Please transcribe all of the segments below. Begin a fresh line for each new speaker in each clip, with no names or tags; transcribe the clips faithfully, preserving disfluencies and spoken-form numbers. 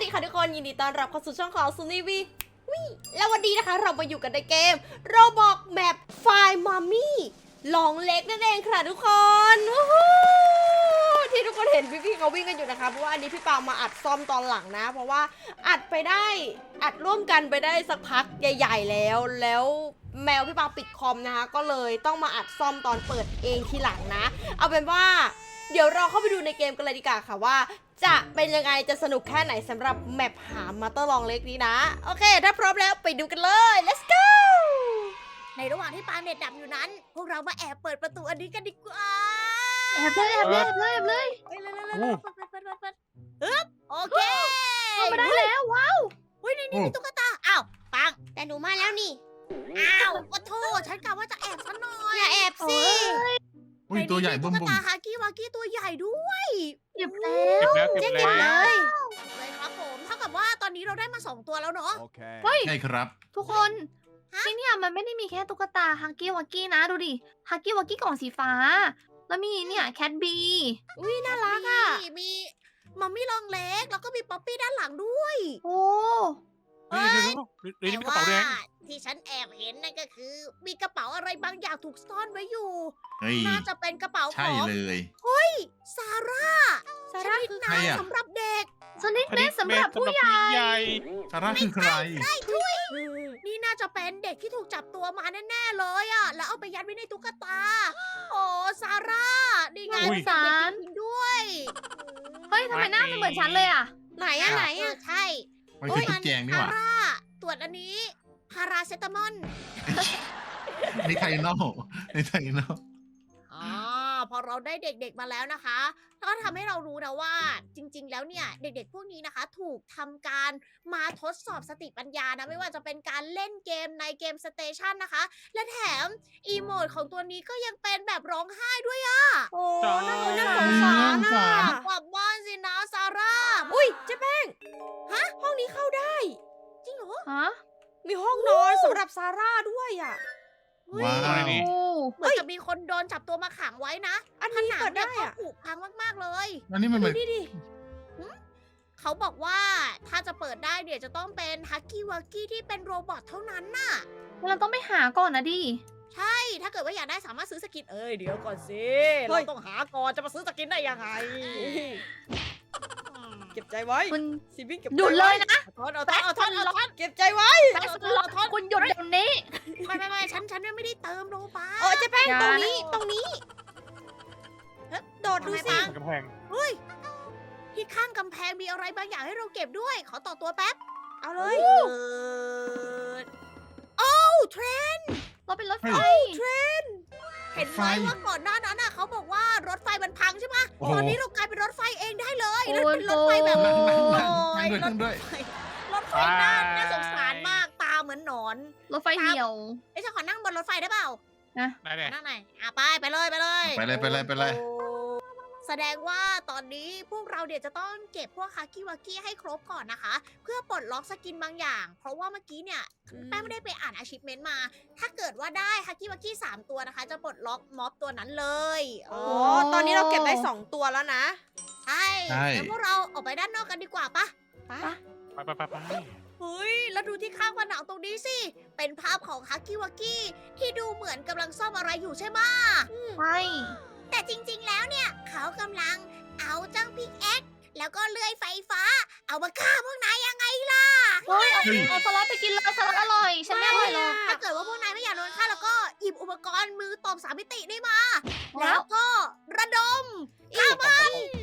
ค่ะทุกคนยินดีต้อนรับเข้าสู่ช่องของซูนี่วีวิแล้ววันนี้นะคะเรามาอยู่กันในเกมโรบอกแมปไฟมามี่ลองเล็กนั่นเองค่ะทุกคนที่ทุกคนเห็นพี่ๆเขาวิ่งกันอยู่นะคะเพราะว่าอันนี้พี่ปางมาอัดซ่อมตอนหลังนะเพราะว่าอัดไปได้อัดร่วมกันไปได้สักพักใหญ่ๆแล้วแล้วแมวพี่ปางปิดคอมนะคะก็เลยต้องมาอัดซ่อมตอนเปิดเองทีหลังนะเอาเป็นว่าเดี๋ยวเราเข้าไปดูในเกมกันเลยดีกว่าค่ะว่าจะเป็นยังไงจะสนุกแค่ไหนสำหรับแมปหามาเตอร์ลองเล็กนี้นะโอเคถ้าพร้อมแล้วไปดูกันเลย let's go
ในระหว่างที่ปาเน็ตดับอยู่นั้น พวกเรามาแอบเปิดประตูอันนี้กันดีกว่า
แอบเลยแอบเลยแอบเลยแอบเลย
เฮ้ยเร็วๆๆๆเปิดเปิดเปิดเปิดฮึบโอเค
เข้ามาได้แล้วว้าว
เฮ้ยนี่นี่มีตุ๊กตาอ้าวปัง
แต่หนูมาแล้วนี่
อ้าวโอ้โธ่ฉันกะว่าจะแอบซะหน่อย
อย่าแอบสิ
อุ้ยตัวใหญ่บึ้ม
ตุ๊ก
บึ้ม
ตาฮากี้วากี้ตัวใหญ่ด้วย
หยิบแล้ว
เก็บแล้วเก็บ
เจ๊เก็บ
แล้
เล
วย
เลยครับผมเท่ากับว่าตอนนี้เราได้มาสองตัวแล้วเนาะ
Okay.
เฮ้ย
ใช่ครับ
ทุกคน
ฮะ
ที่เนี่ยมันไม่ได้มีแค่ตุ๊กตาฮักกี้วักกี้นะดูดิฮักกี้วักกี้กล่องสีฟ้า แล้วมีเนี่ยแคทบี
อุ้ยน่ารักอ่ะ
มีมีมัมมี่ลองเล็กแล้วก็มีป๊อปปี้ด้านหลังด้วย
โอ้
เฮ้ยเดี๋ยวๆๆเดี๋ยวนี้มีกระเป๋าแดง
ที่ฉันแอบเห็นนั่นก็คือ มีกระเป๋าอะไรบางอย่างถูกซ่อนไว้อยู่
เฮ้ย
น่าจะเป็นกระเป๋าข
ใช่
อง
เลย
ซาร่า
ซา
ช
ร่า
นิด
คือ
น้
ใครอะ
ำสำหรับเด็ก
สนิทเม็ดสำหรับผู้ใหญ่
ใหญ่
ซาร่าคือใคร
นี่น่าจะเป็นเด็กที่ถูกจับตัวมาแน่ๆเลยอะแล้วเอาไปยัดไว้ในตุ๊กตา โอ้ซาร่านี่ไง
อุ๊ย
เป็นเด็กจริงๆด้วย
เฮ้ยทำไมหน้ามันเหมือนฉันเลยอ่ะ
ไหนอ่ะไหน
เอ
อ่ะ
อใช่
ไม่ใช่ตุ๊กแจงนี่ห
ซา
ว่า
ร่าตรวจอันนี้พาราเซตามอล
นี่ไทโน่นี่ไทโน่
อ๋อพอเราได้เด็กๆมาแล้วนะคะก็ทำให้เรารู้นะว่าจริง ๆ แล้วเนี่ยเด็กๆพวกนี้นะคะ ถูกทำการมาทดสอบสติปัญญานะไม่ว่าจะเป็นการเล่นเกมในเกมสเตชันนะคะ และแถมอีโมดของตัวนี้ก็ยังเป็นแบบร้องไห้ด้วยอะ
โอ้
จ้า
น่าน่าสงสารอ่ะ
กลับบ้านสินะซาร่า
อุ้ยเจ๊แป้งฮะห้องนี้เข้าได้
จริงเหรอ
ฮะ
มีห้องนอนสำหรับซาร่าด้วยอ่ะ
ว้า
อะไร
ว
นี่
โอ้
เหมือนจะมีคนโดนจับตัวมาขังไว้นะ
อัน
ผ
นี้
นัง
เปิด
เนี่ย
ได้
ก็
อ่ะ
ผุพังมากๆเลย
อันนี้มันเหมือน
ดิดิ
เขาบอกว่าถ้าจะเปิดได้เนี่ยจะต้องเป็นฮักกี้วักกี้ที่เป็นโรบอทเท่านั้นน่ะ
เราต้องไปหาก่อนนะดิ
ใช่ ถ้าเกิดว่าอยากได้สามารถซื้อสกิน เอ้ย เดี๋ยวก่อนสิ เราต้องหาก่อนจะมาซื้อสกินได้ยังไง
เก็บใจไว้
คุณ
สิบิงเก็บ
หยุดเลยนะ
เอาทอนเอาทอนเอาทอนเอาทอน
เก็บใจไว้
แซสล็อกคุณหยุดเดี๋ยวนี้
ไม่ไม่ไม่ฉันฉันไม่ได้เติมโลบา
เออเจ๊แป้ง
อย่า
ตรงนี้ตรงนี้โดดดูสิ
กำแพง
เฮ้ย ที่ข้างกำแพงมีอะไรบางอย่างให้เราเก็บด้วย ขอต่อตัวแป๊บ
เอาเลย
เออโอ้เทรน
เราเป็นรถไฟ
เทรน เห็นไหมว่าก่อนหน้านั้นน่ะเขาบอกว่ารถไฟมันพังใช่ไหม
โอ้โห
ตอนนี้เรากลายเป็นรถไฟเองได้เลย
โอ้
แล้ว
โห
เป็นรถไฟแบบ
นั่งนั่ง
โอ้
นั่ง
ย
นั่งด้วย
ร
นั่
ถ
ง
ไฟ
ด้วย
รถไฟน่าน่าสงสารมาก ตาเหมือนหนอน
รถไฟเหี่ยว
ไอ้ยฉันขอนั่งบนรถไฟได้เปล่า
ได้เลย
นั่งไหนอยอ่ะไปไปเลยไปเลย
ไปเลยไปเลยไปเลย
โอ้แสดงว่าตอนนี้พวกเราเดี๋ยวจะต้องเก็บพวกฮากิวากิให้ครบก่อนนะคะ เพื่อปลดล็อกสกินบางอย่าง เพราะว่าเมื่อกี้เนี่ย
อืม
แป้งไม่ได้ไปอ่าน achievement มา ถ้าเกิดว่าได้ฮากิวากิสามตัวนะคะ จะปลดล็อกม็อบตัวนั้นเลย
อ๋อตอนนี้เราเก็บได้สองตัวแล้วนะ
ใช่
ใช่
แล้วพวกเราออกไปด้านนอกกันดีกว่าปะ
ไป
ไปไปไปไป
เฮ้ย แล้วดูที่ข้างผนังตรงนี้สิ เป็นภาพของฮากิวากิที่ดูเหมือนกำลังซ่อมอะไรอยู่ใช่ไหมะ
ใช่
แต่จริงๆ แล้วเนี่ย เขากำลังเอาเจ้าพิกแอ็กแล้วก็เลื่อยไฟฟ้า เอามาฆ่าพวกนายยังไงล่ะ
เฮ้ยเอา
เฮ้ย
เอาสลัดไปกินเลยสลัดอร่อย ฉันไม่อร่อยหรอก
ถ้าเกิดว่าพวกนายไม่อยากโดนฆ่าแล้วก็หยิบอุปกรณ์มือตบสามมิติได้มา
แล้
แล้ว วก็ระดมฆ่ามัน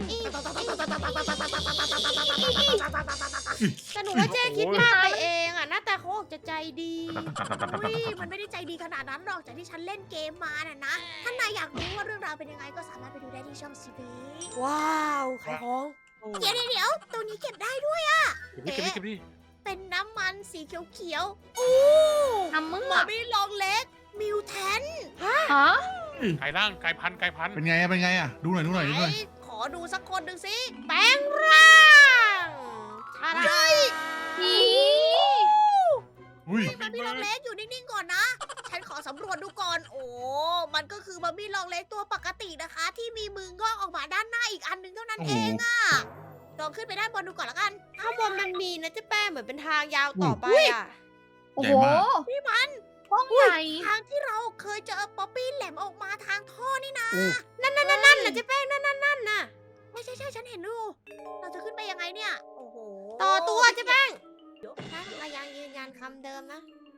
แต่หนูว่าเจ๊คิดมากไปเองอ่ะหน้าตาเขาออกจะใจดี
อุ้ยมันไม่ได้ใจดีขนาดนั้นหรอกจากที่ฉันเล่นเกมมาน่ะนะ ถ้านายอยากรู้ว่าเรื่องราวเป็นยังไงก็สามารถไปดูได้ที่ช่องซีบี
ว้าวขายของ
เดี๋ยวเดี๋ยวตัวนี้เก็บได้ด้วย
เก็บดิเก็บดิเก็บดิ
เป็นน้ำมันสีเขียวๆอู้
น้ำมึ
มา
ก
มี่ลองเล็ก มิวแทน
ฮะ
ไก่ร่างไก่พันไก่พัน
เป็นไงอะเป็นไงอะดูหน่อยดูหน่อยดูหน่อย
ขอดูสักคนหนึ่งสิ แปลงร่าง
ชา
เฮ้ย
อี
อุ้ย
มามี่ลองเล็กอยู่นิ่งๆก่อนนะ ฉันขอสำรวจดูก่อน โอ้ มันก็คือมามี่ลองเล็กตัวปกตินะคะ ที่มีมืองอกออกมาด้านหน้าอีกอันหนึงเท่านั้น
โอ้โห
เองอะลองขึ้นไปด้านบนดูก่อนละกัน
ข้างบนมันมีนะเจ๊แป้งเหมือนเป็นทางยาวต่อไปอ่ะ
โอ้
ใหญ่
โห
มาก
นี่มัน
ห้องใหญ่
ทางที่เราเคยเจอป๊อปปี้แหลมออกมาทางท่อนี่นะ
นั่นนั่นนั่นนั่นน่ะเจ๊แป้งนั่นนั่นนั่นน่ะ
ไม่ใช่ใช่ฉันเห็นดูเราจะขึ้นไปยังไงเนี่ย โอ้โห
ต่อตัวเจ๊แป้งฉันก็ยังยืนยันคำเดิมนะ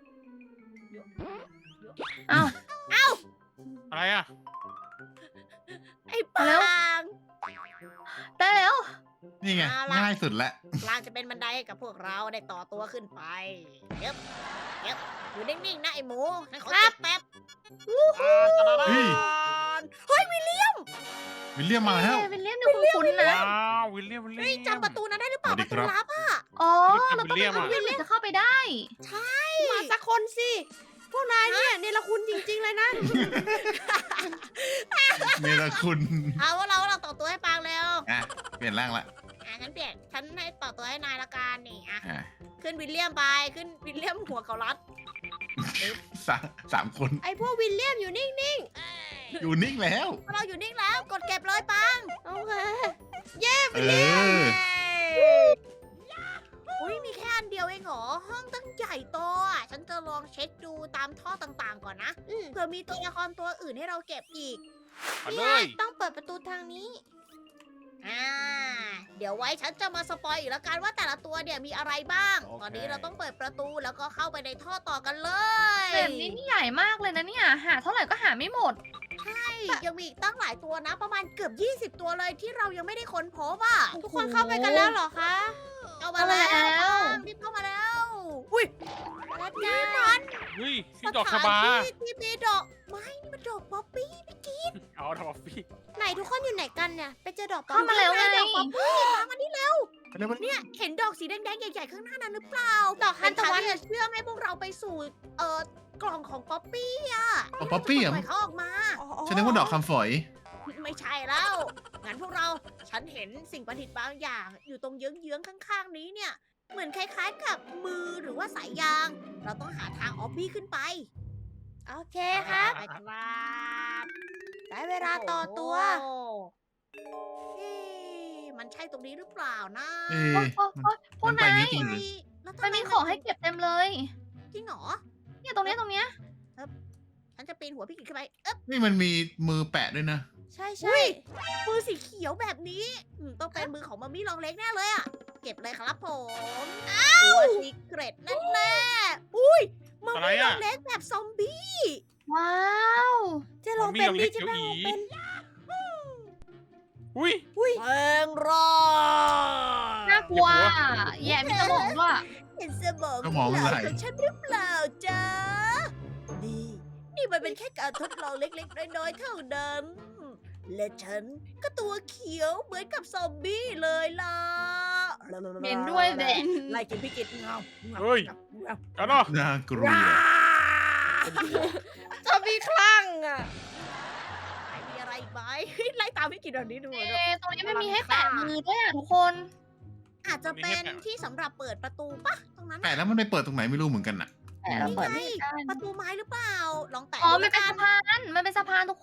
อ้าว
อะไรอ่ะ
ไอ้ปา
แล้ว
ง
ได้แล้ว
นี่ไง
เอาล่ะ
ง่ายสุดแล้ว
ปางจะเป็นบันไดให้กับพวกเราได้ต่อตัวขึ้นไปเย็บเย็บอยู่นิ่งๆนะไอ้หมูฉันขอ
ครั
เก็
บ
บแป๊บ
เฮ้ย
เฮ้ยวิลเลียม
วิลเลียมมาแล้ว
เอ๊ะเป็นเลี่ยมดูคุ้นๆนะ
ว้าววิลเลียมวิลเลียม
เฮ้ยจำประตูนั้นได้หรือเปล่า
สวั
ป
สดี
ระตู
ครับ
ลับอ่ะ
อ๋อ
วิ
เรา
ล
ต้อง
เลี
ไป
ยม
ทำ
อะ
เลี่ยมถึงจะเข้าไปได้
มาสักคนสิพวกนายเนี่ยเนรคุณจริงๆเลยนะ
เนรคุณ
เอาว่าเราเราต่อตัวให้ปางเร็ว
อ่ะเปลี่ยนร่างละ
อ่ะงั้นเปลี่ยนฉันให้ต่อตัวให้นายละกันนี่อ่ะ
อ่ะ
ขึ้นวิลเลียมไปขึ้นวิลเลียมหัวเขารัด
สามสามคน
ไอพวกวิลเลียมอยู่นิ่ง
อยู่นิ่งแล้ว
เราอยู่นิ่งแล้วกดเก็บเลยปัง
ๆ โอเค
เออ
อุ้ยมีแค่อันเดียวเองเหรอห้องตั้งใหญ่โตอ่ะฉันจะลองเช็คดูตามท่อต่างๆก่อนนะ
อืม
เผื่อมีตัวละครตัวอื่นให้เราเก็บอีก
มา
นี่
เล
ไง
ย
ต้องเปิดประตูทางนี้
อ่า เดี๋ยวไว้ฉันจะมาสปอยอีกแล้วกันว่าแต่ละตัวเนี่ยมีอะไรบ้าง
โอเค
ตอนนี้เราต้องเปิดประตูแล้วก็เข้าไปในท่อต่อกันเลย
แบบนี้นี่ใหญ่มากเลยนะเนี่ย หาเท่าไหร่ก็หาไม่หมด
ใช่ยังมีอีกตั้งหลายตัวนะ ประมาณเกือบ ยี่สิบ ตัวเลยที่เรายังไม่ได้ค้นพบอ่ะ
ทุกคนเข้าไปกันแล้วเหรอคะ
เอามาแล้ว
เอามาแล้ว
ปังรีบเข้ามาแล้ว อุ้ย
แล้ว
นี่
จ้า
มัน
เฮ้ย
ส
พี่ดอกชะ
ถาน
บา
ที่ที่มีดอกไม้นี่มันดอกป๊อปปี้
เอาทำออฟฟี่
ไหนทุกคนอยู่ไหนกันเนี่ย ไปเจอดอกปอ
เข้ามาแล้วไง
ดอกป๊อปปี้ปังมานี่เร็ว
เร็วๆ
เนี่ยเห็นดอกสีแดงๆใหญ่ๆข้างหน้านั้นหรือเปล่า
ดอกทานตะวัน
เป็ทางที่จะเชื่อมให้พวกเราไปสู่เอ่อกล่องของป๊อปปี้อ่ะ
เอาป๊อปปี้เหรอ
ปล่อยเขาออกมา
อ๋อ
ฉันนึกว่าดอกคำฝอย
ไม่ใช่แล้ว งั้นพวกเรา ฉันเห็นสิ่งประดิษฐ์บางอย่าง อยู่ตรงเยื้องๆข้างๆนี้เนี่ย เหมือนคล้ายๆกับมือหรือว่าสายยาง เราต้องหาทางออฟบี้ขึ้นไป
โอเคครับ
ไปครับ
ได้เวลาต่อตัว
โอ้โหเอ๊ะมันใช่ตรงนี้หรือเปล่านะ
เอ๊
โอ๊
ะ
ยโอ๊ยโอ๊ยพว
มั
ก
นไป
นาย
นี้จริงเหรอ
แล้วทำ
มันมีของให้เก็บเต็มเลย
จริงเหรอ
เนี่ยตรงเนี้ยตรงเนี้ย
ฉันจะปีนหัวพี่กิจขึ้นไป เอ๊บ
นี่มันมีมือแปะด้วยนะ
ใช่
อุ้
ใช่
ย มือสีเขียวแบบนี้อืมต้องเป็นมือของมัมมี่ลองเล็กแน่เลยอะเก็บเลยครับผมตัวซีเกรตแน่ๆอุ้ยมัม
อะไร
มี่ล
อะ
องเล็กแบบซอมบี้
ว้าว
เจะลองเป็น
มัมมี่ลองเล็
ดิ
ก
จะลอง
เขียวอี
เป็น
อุ้ย
แปลงร่าง
น่ากลัวแย่มีสมองด้วย
เห็นสมอง
สมอง
เหลา
ไหล
ของฉันหรือเปล่าจ๊ะนี่นี่มันเป็นแค่การทดลองเล็กๆน้อยๆเท่านั้นและฉันก็ตัวเขียวเหมือนกับซอมบี้เลยล่ะ
เหม็นด้วยแหละ
ไล่กินพี่กิจเงา
เฮ้ย เอาเนาะ
น่ากลัว
จะมีคลั่งอ่ะ
มีอะไรอีกไหม ไล่ตามพี่กิจแบบนี้ดู
เอ๊
เนอะ
ะตรงนี้มันมีให้แปะมือด้วยอ่ะทุกคน
อาจจะเป็นที่สำหรับเปิดประตูปะตรงนั้น
แปะ
น่ะ
แล้วมันไปเปิดตรงไหนไม่รู้เหมือนกันน่ะ
แปะแล้วเปิดไม่
นี่
ได้
ไงประตูไม้หรือเปล่า ลองแตะ
อ๋อ
ดู
มันเป็น
แล้วกั
สะพาน มันเป็นสะพานทุกคน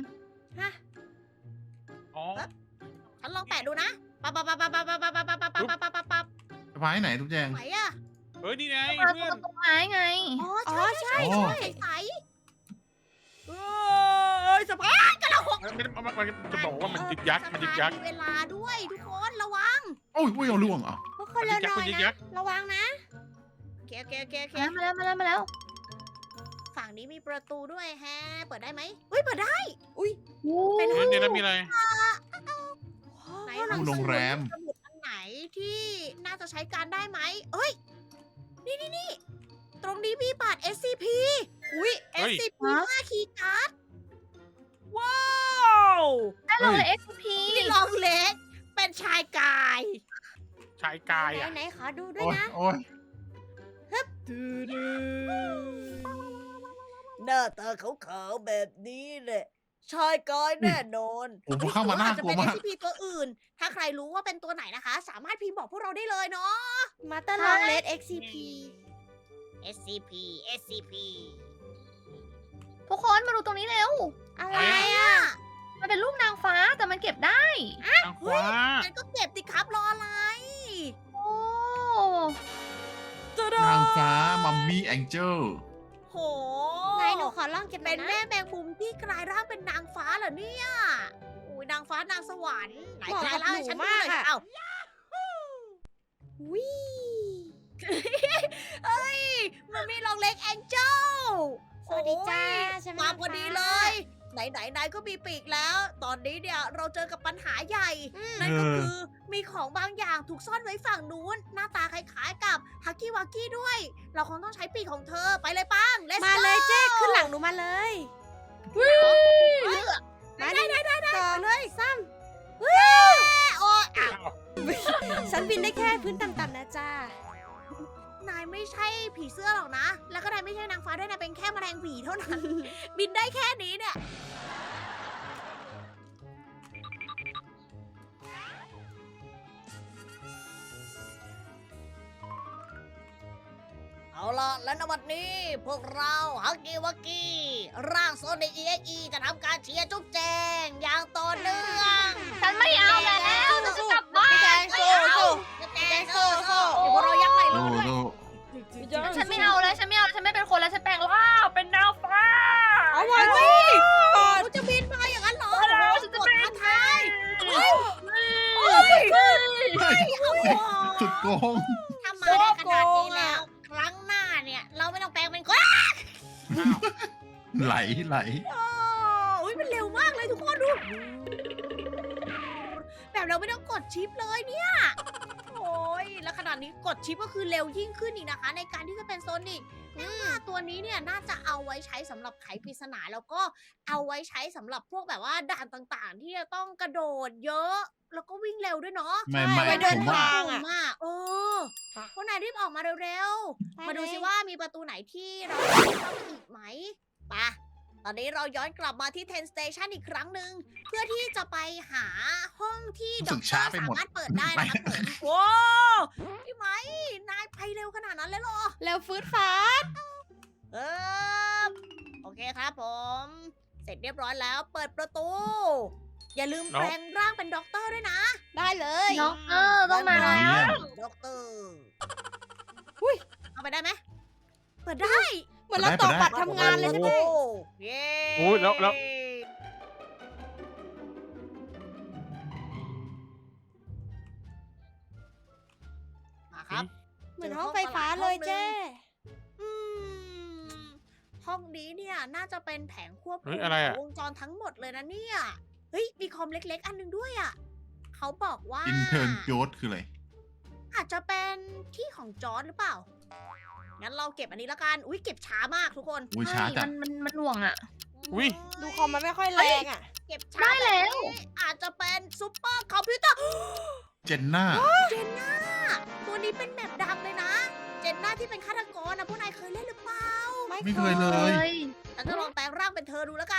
อ๋อ
ฉันลองแปะดูนะปั๊บปั๊บปั๊บปั๊บปั๊บปั๊บปั๊บปั๊บปั๊บปั๊บปั๊บปั๊บปั๊บ
สะพายไหนทุกแจง
ไหนอะ
เฮ้ย นี่ไง
สะพาน
เพื่
ต
อ
ร
น
งต้นไม้ไง
อ๋อใช่ใช่
อ๋อ
ใช่ใสๆเอ้ยสะพานกระหก
มันมันมันมันจะบอกว่ามันยึกยักมันยึกยัก
มีเวลาด้วยทุกคนระวัง
โอ้ยโอ้ยเอาล่วงเหรอ
พวกคนเร็วหน่อย
มันยึกยั
นะ
ก
ระวังนะ
โอเคโอเคโอเคโอเค
มาแล้วมาแล้วมาแล้ว
ฝั่งนี้มีประตูด้วยแฮะ เปิดได้ไหมอุ้ยเปิดได้
อุ้ย
เป็น
เฮ้ยเดี๋ยวนั้นมีอะไร
ไหน
ห้องหนัง
โร
สื
ง
อ
แรม
สมุดอันไหนที่น่าจะใช้การได้ไหมเอ้ย นี่นี่นี่ตรงนี้มีบัตร เอส ซี พี
อุ้ย
เฮ้ย
เอส ซี พี ห้าคีย์การ์ด ว้าว
ได้ลงเลย เอ็กซ์ พี
นี่ลองเล็ก เป็นชายกาย
ชายกาย
ไหน
อ่ะ
ไหนขอดูด้วย
โอ้ย
นะ
โอ้ย
หน้าตาขาวๆแบบนี้แหละ ชายกายแน่นอน
โอ้โหเข้ามาน่ากลัว
หรือว่
มา
อจ
ก
จะเป็น เอส ซี พี ตัวอื่น ถ้าใครรู้ว่าเป็นตัวไหนนะคะ สามารถพิมพ์บอกพวกเราได้เลยเนาะ
มาตลองเลด เอ็กซ์ ซี พี
เอส ซี พี เอส ซี พี
ทุกคนมาดูตรงนี้เร็ว
อะไร
อะไร
อ่ะ
อ่ะ
มันมันเป็นรูปนางฟ้าแต่มันเก็บได้
นางฟ้า
งั้นก็เก็บสิครับรออะไร
โอ้
นางฟ้ามัมมี่แองเจิล
โห
ไหนหนูขอลองเก็บหน่
เป็
อย
น
นะ
แม่แมงมุมที่กลายร่างเป็นนางฟ้าเหรอเนี่ยอุ้ยนางฟ้านางสวรรค์ไหน
เหมาะ
กลา
กั
ย
บ
ร่าง
ห
ให้
นู
ฉันดู
มา
ห
ก
น่อย
อะ
เอ้า
วิ
เอ้ยมันมีลองเล็กแองเจิล
สวัสดีจ้าฉันเป็นาง
มานพอดี
ฟ้า
เลย ไหนไหนไหนก็มีปีกแล้ว ตอนนี้เนี่ยเราเจอกับปัญหาใหญ่ นั่นก็คือมีของบางอย่างถูกซ่อนไว้ฝั่งนู้น หน้าตาคล้ายๆกับฮักกี้วักกี้ด้วย เราคงต้องใช้ปีกของเธอไปเลยปัง Let's
มา
go
เลยเจ๊ขึ้นหลังหนูมาเลย
เฮ้ย
มาได้ได้ได้สองเลยซ้
โอ้ยอ้าว
ำฉันบินได้แค่พื้นต่ำๆนะจ้าน
ายไม่ใช่ผีเสื้อหรอกนะ แล้วก็นายไม่ใช่นางฟ้าด้วยนายเป็นแค่แมลงหวีเท่านั้น บินได้แค่นี้เนี่ย เอาล่ะ และในวันนี้พวกเราฮักกี้วักกี้ ร่างโซนิกเอ็กอีจะทำการเชียร์จุ๊บแจงอย่างต่อเนื่อง
ฉันไม่เอาแล้วฉันจะกลับบ้า
พี่แจ
น
งโซ่โซ่
จุ๊บแจงโซ่โซ่เดี๋ยวพวกเรายักไหล่
โล
รอด้วย
โล
ฉันไม่เอาแล้วฉันไม่เอาแล้วฉันไม่เป็นคนแล้วฉันแปลงร่างเป็นนางฟ้า
เอาไว้สิ
กูจะบินมาอย่างนั้นเหรอ
เอาแล้วฉันจะ
กด
บิน
ท้าทาย
เฮ้ย
เฮ้ยสุดโกง
ทำมาได้ขนาดนี้แล้ว ครั้งหน้าเนี่ย เราไม่ต้องแปลงเป็นคน
ไหลไหล
โอ้ยมันเร็วมากเลยทุกคนดู แบบเราไม่ต้องกดชิปเลยเนี่ย โอ้ยแล้วขนาดนี้กดชิปก็คือเร็วยิ่งขึ้นอีกนะคะ ในการที่จะเป็นโซนิกอืมตัวนี้เนี่ยน่าจะเอาไว้ใช้สำหรับไขปริศนาแล้วก็เอาไว้ใช้สำหรับพวกแบบว่าด่านต่างๆ ที่จะต้องกระโดดเยอะ แล้วก็วิ่งเร็วด้วยเนาะ
ไม่ไม่
ไว้เดิ
ผ
น
มว่า
ทาง
ม
อะ
มากเออพวกนายรีบออกมาเร็วๆ มาดูสิว่ามีประตูไหนที่เราจะเข้าไปอีกไหมไปะตอนนี้เราย้อนกลับมาที่ เทน Station อีกครั้งหนึ่งเพื่อที่จะไปหาห้องที่
รู้
ด็
สึ
อก
ก
เตอ
ช้า
ร์
ไป
สา
หมด
มารถเปิดได้นะครับผมโว้พี่ไหมนายไปเร็วขนาดนั้นเลยเหรอ
แล้วฟืดฟ้าด
เออโอเคครับผม เสร็จเรียบร้อยแล้วเปิดประตู อย่าลืม
เนอะ
แปลงร่างเป็นด็อกเตอร์ด้วยนะ
ได้เลย
ด็อกเตอร์ต้องมาแล้ว
ด็อกเตอร์
อุ้ย
เอาไปได้ไหมเปิดได้
เหมือนเราต่อบัตรทำงานเลยใช่ไหม
โอ้เย้
โอ้ยแล้วแล้ว
มาครับ
เหมือนห้องไฟฟ้าเลยเจ๊
อืมห้องนี้เนี่ยน่าจะเป็นแผงควบ
เฮ้
คุม
ยอะไรอะ
วงจรทั้งหมดเลยนะเนี่ย เฮ้ย มีคอมเล็กๆ อันหนึงด้วยอ่ะ เขาบอกว่า
อินเทอร์โยศคืออะไร
อาจจะเป็นที่ของจอร์ดหรือเปล่า งั้นเราเก็บอันนี้ละกัน อุ้ยเก็บช้ามากทุกคน
อุ้ยช้าจั
มั
ด
นมันมันหน่วงอ่ะ
อุ๊ย
ดูคอมมันไม่ค่อยแรงอ่ะ
เก็บช้า
ได้แล้ว
บบนี้อาจจะเป็นซูเปอร์คอมพิวเตอร์
เจนน่า
เจนน่า ตัวนี้เป็นแบบดังเลยนะ เจนน่าที่เป็นฆาตกรนะพวกนายเคยเล่นหรือเปล่า
ไม่เคยเล
เฮ้
ย
ย
ฉันจะลองแปลงร่างเป็นเธอดูแล้วกัน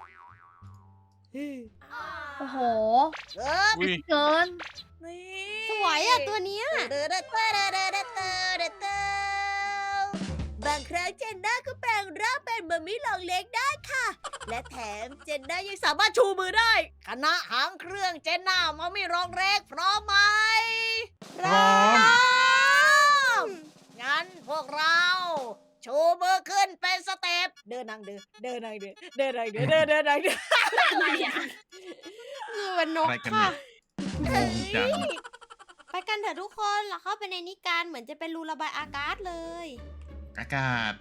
โอ้โห
เออ
อุ้ย
เกิน
นี่
สวยอ่ะตัวเนี้ย
เดอเดอเดอเดอเดอเดอเดอเดอเดอบางครั้งเจนน่าก็แปลงร่างเป็นมัมมี่หลองเล็กได้ค่ะ และแถมเจนน่ายังสามารถชูมือได้คณะหางเครื่องเจนน่ามัมมี่หลองเล็กพร้อมไหม
พร้อม
งั้นพวกเรา ชูมือขึ้นเป็นสเต็ปเดินนางเดินเดินนางเดินเดินนางเดินเดินเดินนางเดิน
อะไรอ่ะ
คือเป็นนก
อะไรกัน
ค่ะ
เนี่ย งงจัง
ไปกันเถอะทุกคนเราเข้าไปในนิการเหมือนจะเป็นรูระบายอากาศเลย
อากาศ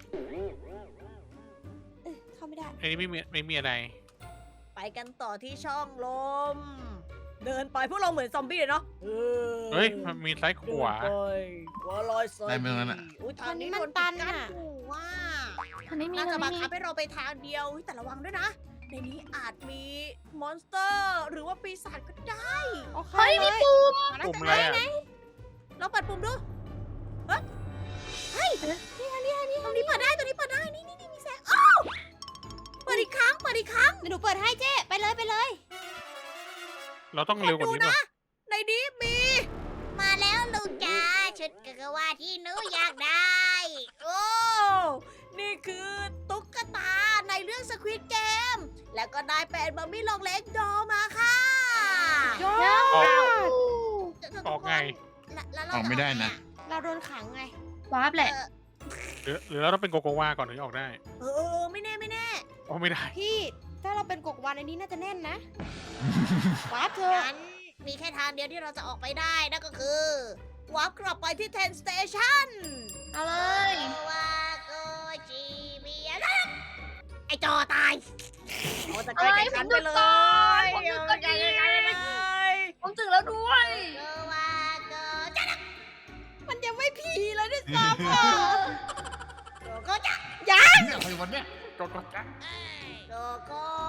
เอ้ยเข้าไม่ได้
อันนี้ไม่มีไม่มีอะไร
ไปกันต่อที่ช่องลม เดินไปพวกเราเหมือนซอมบี้เลยเนาะ
เฮ้ย มันมีซ้ายขวา
เดินไปขวาลอยซ้าย
ได้ไหมตรงนั้นอะ
อุ้ยทางนี้
มัน
โดน
ตั
ปิ
น
ดกั้น
อะ
อยู่ว่า
อันนี้มี
น่า
อั
จะ
น
บั
นี้
ง
มี
คับให้เราไปทางเดียวอุ๊ยแต่ระวังด้วยนะ ในนี้อาจมีมอนสเตอร์ หรือว่าปีศาจก็ได้
โอเค
เฮ้ย
เล
มี
ย
ปุ่ม
มาแล้ว
ปุ่ม
จะ
อะไร
ได้
อ่ะ
เราเปิดปุ่มดูเฮ้ยเฮ้ยนี่ค่ะนี่ค่ะนี่ตรงนี้เปิดได้ตรงนี้เปิดได้ นี่นี่นี่มีแสงอ้าวเปิดอีกครั้ง เปิดอีกครั้ง
เดี๋ยวหนูเปิดให้เจ๊ไปเลยไปเลย
เราต้องเร็วกว่านี้ป่ะ
ในนี้มี มาแล้วลูกจ้าชุดกะกะว่าที่หนูอยากได้ โอ้ นี่คือตุ๊กตาในเรื่องสควิดเกมม แล้วก็ได้เป็นมัมมี่ลองเล็กดอมาค่ะ
ยอ
ออก
ด
ออกไง
แล้วแล้วเรา
ออกไม่ได้นะ
เราโดนขังไง
วาร์ปแหละ
หรือหรือเราต้องเป็นโกโกวาก่อนถึงจะออกได้
เออเออไม่แน่ไม่แน่
โอ้ไม่ได้
พี่ถ้าเราเป็นกกวันอันนี้น่าจะแน่นนะวาร์ปเธอะ
งั้นมีแค่ทางเดียวที่เราจะออกไปได้นั่นก็คือวาร์ปกลับไปที่เทนสเตชัน
เอาเลย
ว่าโกจีเมียไอจอตายโอ้จะ
เอ้
ใกล้
ย
กัน
ผม
ไป
หยุด
เล
ก่อน
ย
ผมหยุดก่อน
ใกล้กันไปเลย
ผมถึงแล้วด้วย
โกว่าโกจะ
มันยังไม่ผีเลยด้วยซ้ำอ่ะ
โกโกจะ
เนี่ยไปวันเนี้ย
โกโกจ้ะ
โกโก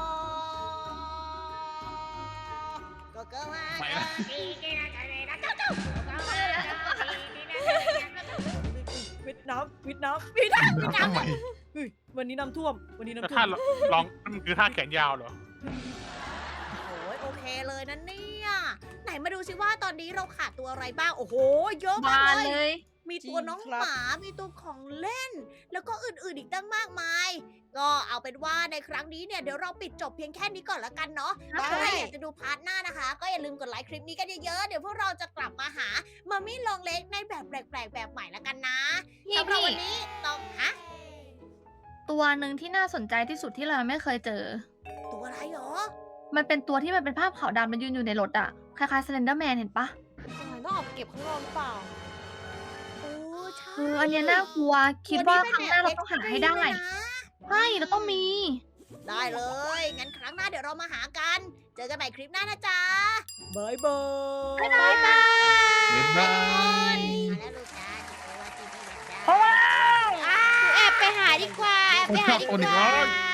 โกโกว่า
ไป
โก
ละ
จีกินะจะเลยนะเจ้าเจ้าโกโกว่าโกจีกินะวิดน้ำวิดน้ำวิดน้ำวิดน้
ทำไม
ำวันนี้น้ำท่วม วันนี้
แล้ว
น้ำท่ว
ท่าม ลองมันคือท่าแขนยาวเหรอ
โอ้ยโอเคเลยนะเนี่ย ไหนมาดูสิว่าตอนนี้เราขาดตัวอะไรบ้าง โอ้โห เยอะมาม
าก
เล
เลย ย
มีตัวน้องหมา มีตัวของเล่น แล้วก็อื่นๆอีกตั้งมากมาย ก็เอาเป็นว่าในครั้งนี้เนี่ยเดี๋ยวเราปิดจบเพียงแค่นี้ก่อนละกันเนาะ
ได้
ถ้าใครอยากจะดูพาร์ทหน้านะคะ ก็อย่าลืมกดไลค์คลิปนี้กันเยอะๆ เดี๋ยวพวกเราจะกลับมาหามัมมี่ลองเล็กในแบบแปลกๆแบบใหม่ละกันนะ
พี่
สำหรับ
พี่
วันนี้ต้องฮะ
ตัวหนึ่งที่น่าสนใจที่สุดที่เราไม่เคยเจอ
ตัวอะไรหรอ
มันเป็นตัวที่มันเป็นภาพขาวดำมันยืนอยู่ในรถอะคล้ายๆ Slender Man เห็นปะ
ต้องออกไปเก็บข้างนอกหรือเปล่า
โอ้ใช่
เอออันเนี้ยน่ากลัว คิดว่าครั้งหน้าเราต้องหาให้ได้
ตัวนี้เป็นแบบ extreme เลยนะ
ใช่เราต้องมี
ได้เลย งั้นครั้งหน้าเดี๋ยวเรามาหากัน เจอกันใหม่คลิปหน้านะจ๊ะบายบาย
บ๊ายบาย
บ๊ายบาย
มาแล้วลูกจ้าจิโกวาจิพี่ยักษ์จ้า
เพราะว่า
อ้าว
แอบไปหาดีกว่า แอบไปหาดีกว่า